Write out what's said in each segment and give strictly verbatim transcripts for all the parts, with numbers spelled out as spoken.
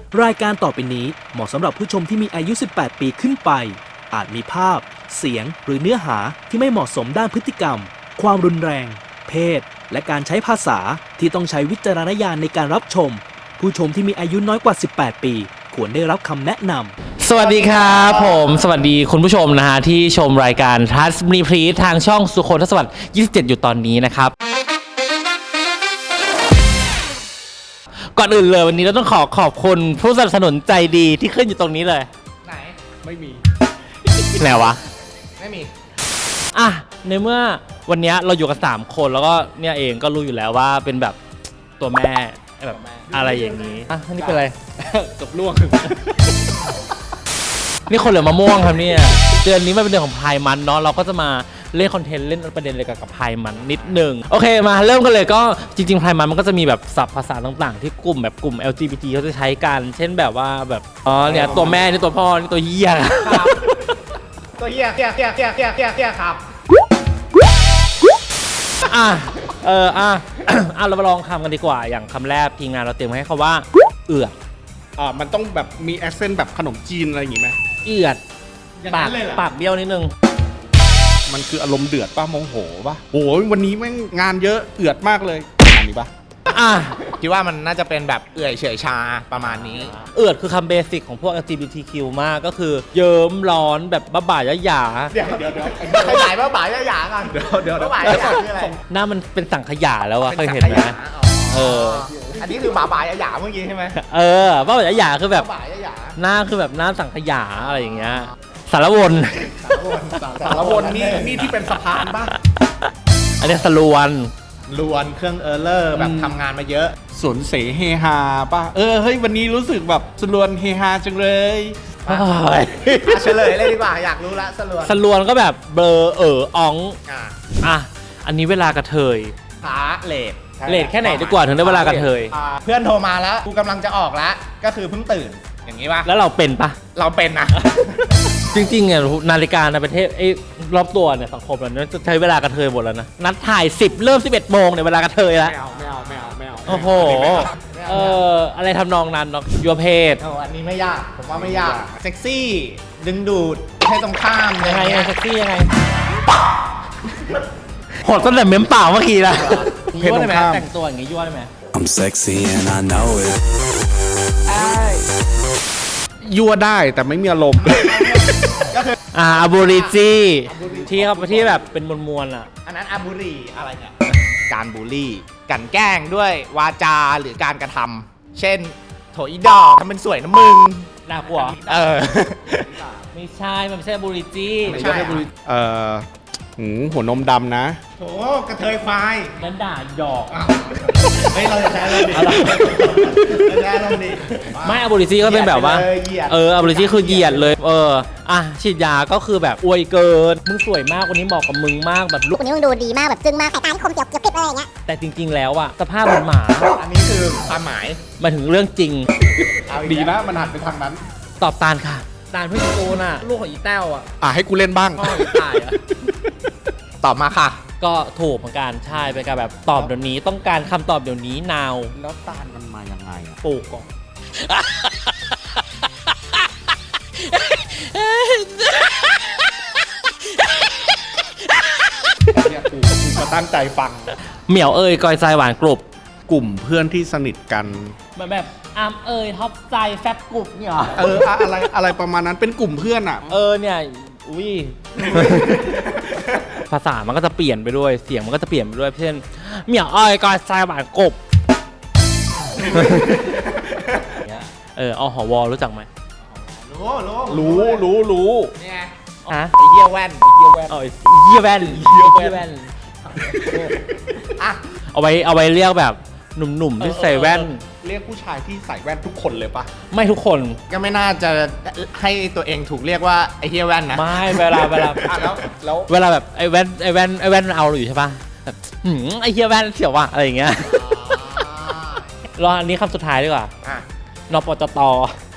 รายการต่อไปนี้เหมาะสำหรับผู้ชมที่มีอายุ สิบแปด ปีขึ้นไป อาจมีภาพ เสียง หรือเนื้อหาที่ไม่เหมาะสมด้านพฤติกรรม ความรุนแรง เพศ และการใช้ภาษาที่ต้องใช้วิจารณญาณในการรับชม ผู้ชมที่มีอายุน้อยกว่า สิบแปด ปี ควรได้รับคำแนะนำสวัสดีครับผมสวัสดีคุณผู้ชมนะฮะที่ชมรายการทัสมีพรีทางช่องสุโขทัยสวัสดิ์ยี่สิบเจ็ดอยู่ตอนนี้นะครับก่อนอื่นเลยวันนี้เราต้องขอขอบคุณผู้สนับสนุนใจดีที่ขึ้นอยู่ตรงนี้เลยไหนไม่มีไหนวะไม่มีอ่ะในเมื่อวันนี้เราอยู่กันสามคนแล้วก็เนี่ยเองก็รู้อยู่แล้วว่าเป็นแบบตัวแม่แบบอะไรอย่างนี้อ่ะนี่เป็นอะไรกับล่วงนี่คนเหลือมะม่วงครับเนี่ยเดือนนี้มันเป็นเดือนของพายมันเนาะเราก็จะมาเล่นคอนเทนต์เล่นประเด็นอะไรกับกับพายมันนิดนึงโอเคมาเริ่มกันเลยก็จริงๆพายมันมันก็จะมีแบบศัพท์ภาษาต่างๆที่กลุ่มแบบกลุ่ม แอล จี บี ที เขาจะใช้กันเช่นแบบว่าแบบอ๋อเนี่ยตัวแม่นี่ตัวพ่อนี่ตัวเหี้ยครับตัวเหี้ยเหี้ยเหี้ยเหี้ยเหี้ยเหี้ยเหี้ยครับอ่ะเอออ่ะ อ่ะเรามาลองคำกันดีกว่าอย่างคำแรกทีมงานเราเตรียมให้เขาว่าเอือดอ่ามันต้องแบบมีแอคเซนต์แบบขนมจีนอะไรอย่างงี้ไหมเอือดปากปากเบี้ยวนิดนึงมันคืออารมณ์เดือดป่ะโมโหป่ะโอ้ยวันนี้แม่งงานเยอะเอือดมากเลยอันนี้ป่ะอ่ะคิดว่ามันน่าจะเป็นแบบเอื่อยเฉยชาประมาณนี้เอือดคือคำเบสิกของพวก แอล จี บี ที คิว มากก็คือเยิ้มร้อนแบบบ้าบ่ายหยาเดี๋ยวเดี๋ยวเดี๋ยวใครหายว่าบ่ายจะหยากันเดี๋ยวเดี๋ยวว่าบ่ายจะหยาคืออะไรหน้ามันเป็นสังขยาแล้วอะเคยเห็นไหม เอออันนี้คือบ่าบ่ายจะหยาเมื่อกี้ใช่ไหมเออบ้าบ่ายหยาคือแบบบ่ายจะหยาหน้าคือแบบหน้าสังขยาอะไรอย่างเงี้ยสารวนสารวนนี่นี่ที่เป็นสะพานป่ะอันนี้สรวนลวนเครื่องเออร์เลอร์แบบทำงานมาเยอะสวนเสเฮฮาป่ะเออเฮ้ยวันนี้รู้สึกแบบสรวนเฮฮาจังเลยเฮ้ยอ่ะเฉลยเลยดีกว่าอยากรู้ละสลวนสรวนก็แบบเบลอเอออ๋องอ่ะอ่ะอันนี้เวลากระเทยหาเลทเลทแค่ไหนดีกว่าถึงได้เวลากระเทยอ่าเพื่อนโทรมาแล้วกูกำลังจะออกแล้วก็คือเพิ่งตื่นอย่างนี้ป่ะแล้วเราเป็นปะเราเป็นนะจริงๆเนี่ยนาฬิกาในประเทศไอ้รอบตัวเนี่ยสังคมเราเนี่ยจะใช้เวลากระเทยหมดแล้วนะนัดถ่ายสิบเริ่มสิบเอ็ดโมงเนี่ยเวลากระเทยแล้วไม่เอาไม่เอาไม่เอาไม่เอาโอ้โหเอออะไรทำนองนั้นเนาะยัวเพศโอ้อันนี้ไม่ยากผมว่าไม่ยากเซ็กซี่ดึงดูดให้ตรงข้ามยังไงอยังไงเงี้ยเซ็กซี่ยังไงโหดตั้งแต่เม้มเปล่าเมื่อกี้ละยั่วได้ไหมแต่งตัวอย่างงี้ยั่วได้ไหม I'm sexy and I know it. ยั่วได้แต่ไม่มีอารมณ์อ่าอาบูริจีที่เขาที่แบบเป็นมวลๆอ่ะอันนั้นอาบุรีอะไรเนี่ยการบูลลี่กลั่นแกล้งด้วยวาจาหรือการกระทำเช่นโถอีดอกทำเป็นสวยนะมึงน่ากลัวเออไม่ใช่มันไม่ใช่อาบูริจีไม่ใช่เอ่อหืมหัวนมดำนะโถกระเทยควายนั่นด่าหยอกเฮ้ยเราจะใช้เราดิอะไรเราจะใช้เราดิไม่อาบูริจีก็เป็นแบบว่าเหยียดไปเลยเหยียดเอออาบูริจีคือเหยียดเลยเอออ่ะฉีดยาก็คือแบบอวยเกินมึงสวยมากวันนี้เหมาะกับมึงมากแบบลุกคนนี้มึงดูดีมากแบบจึ้งมากสายตาที่คมเจียวเจียวกริบเลยอย่างเงี้ยแต่จริง ๆ แล้วอะสภาพเหมือนหมาอันนี้คือความหมายหมายถึงเรื่องจริงเอาอีกดีแล้วนะมันหันไปทางนั้นตอบตาลค่ะตาลเพื่อนกูน่ะลูกของอีแต้วอะอ่ะให้กูเล่นบ้างพ่ออีตายอะตอบมาค่ะก็ถูกเหมือนกันใช่เป็นการแบบตอบเดี๋ยวนี้ต้องการคำตอบเดี๋ยวนี้ now แล้วตาลมันมายังไงอ่ะปลูกก่อนเนี่ยกูกูมาตั้งใจฟังเหมียวเอ้ยกอยใจหวานกรุบกลุ่มเพื่อนที่สนิทกันเหมือนแบบอามเอ้ยท็อปใจแฟบกรุบเนี่ยเหรอเอออะอะไรอะไรประมาณนั้นเป็นกลุ่มเพื่อนอ่ะเออเนี่ยอุ้ย ภาษามันก็จะเปลี่ยนไปด้วยเสียงมันก็จะเปลี่ยนไปด้วยเช่นเหมียวเอ้ยกอยใจหวานกรุบ เอออหวรู้จักไหมรู้รู้รู้รู้รู้เนี่ยฮะไอเหี้ยแว่นไอเหี้ยแว่นเออเยี่ยแว่นเยี่ยแว่นอ่ะเอาไว้เอาไว้เรียกแบบหนุ่มๆที่ใส่แว่นเรียกผู้ชายที่ใส่แว่นทุกคนเลยปะไม่ทุกคนก็ไม่น่าจะให้ตัวเองถูกเรียกว่าไอเหี้ยแว่นนะไม่เวลาเวลาอ่ะแล้วแล้วเวลาแบบไอ้แว่นไอ้แว่นไอ้แว่นมันเอาเราอยู่ใช่ปะแบบหืมไอ้เฮียแว่นเสียวว่ะอะไรอย่างเงี้ยรออันนี้คำสุดท้ายดีกว่าอ่ะนปจต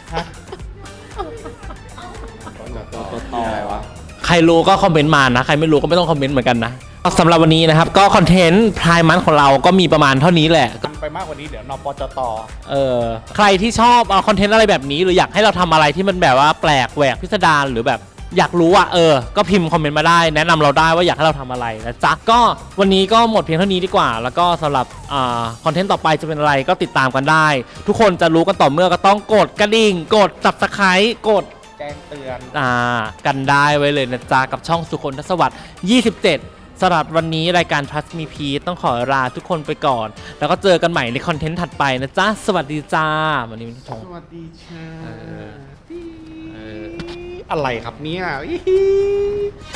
อะไรวะใครรู้ก็คอมเมนต์มานะ ใครไม่รู้ก็ไม่ต้องคอมเมนต์เหมือนกันนะสำหรับวันนี้นะครับ ก็คอนเทนต์พรายมันของเราก็มีประมาณเท่านี้แหละไปมากกว่านี้เดี๋ยวนปจตเออใครที่ชอบเอาคอนเทนต์อะไรแบบนี้หรืออยากให้เราทำอะไรที่มันแบบว่าแปลกแหวกพิสดารหรือแบบอยากรู้อ่ะเออก็พิมพ์คอมเมนต์มาได้แนะนำเราได้ว่าอยากให้เราทำอะไรนะจ๊ะก็วันนี้ก็หมดเพียงเท่านี้ดีกว่าแล้วก็สำหรับอ่าคอนเทนต์ต่อไปจะเป็นอะไรก็ติดตามกันได้ ทุกคนจะรู้กันต่อเมื่อก็ต้องกดกระดิ่งกด ซับสไครบ์ กดแจ้งเตือนอ่ากันได้ไว้เลยนะจ๊ะกับช่องสุคนทศวรรษยี่สิบเจ็ดสำหรับวันนี้รายการ Trust Me Peace ต้องขอลาทุกคนไปก่อน แล้วก็เจอกันใหม่ในคอนเทนต์ถัดไปนะจ๊ะ สวัสดีจ้า วันนี้ไม่ชงสวัสดีค่ะเอออะไรครับเนี่ย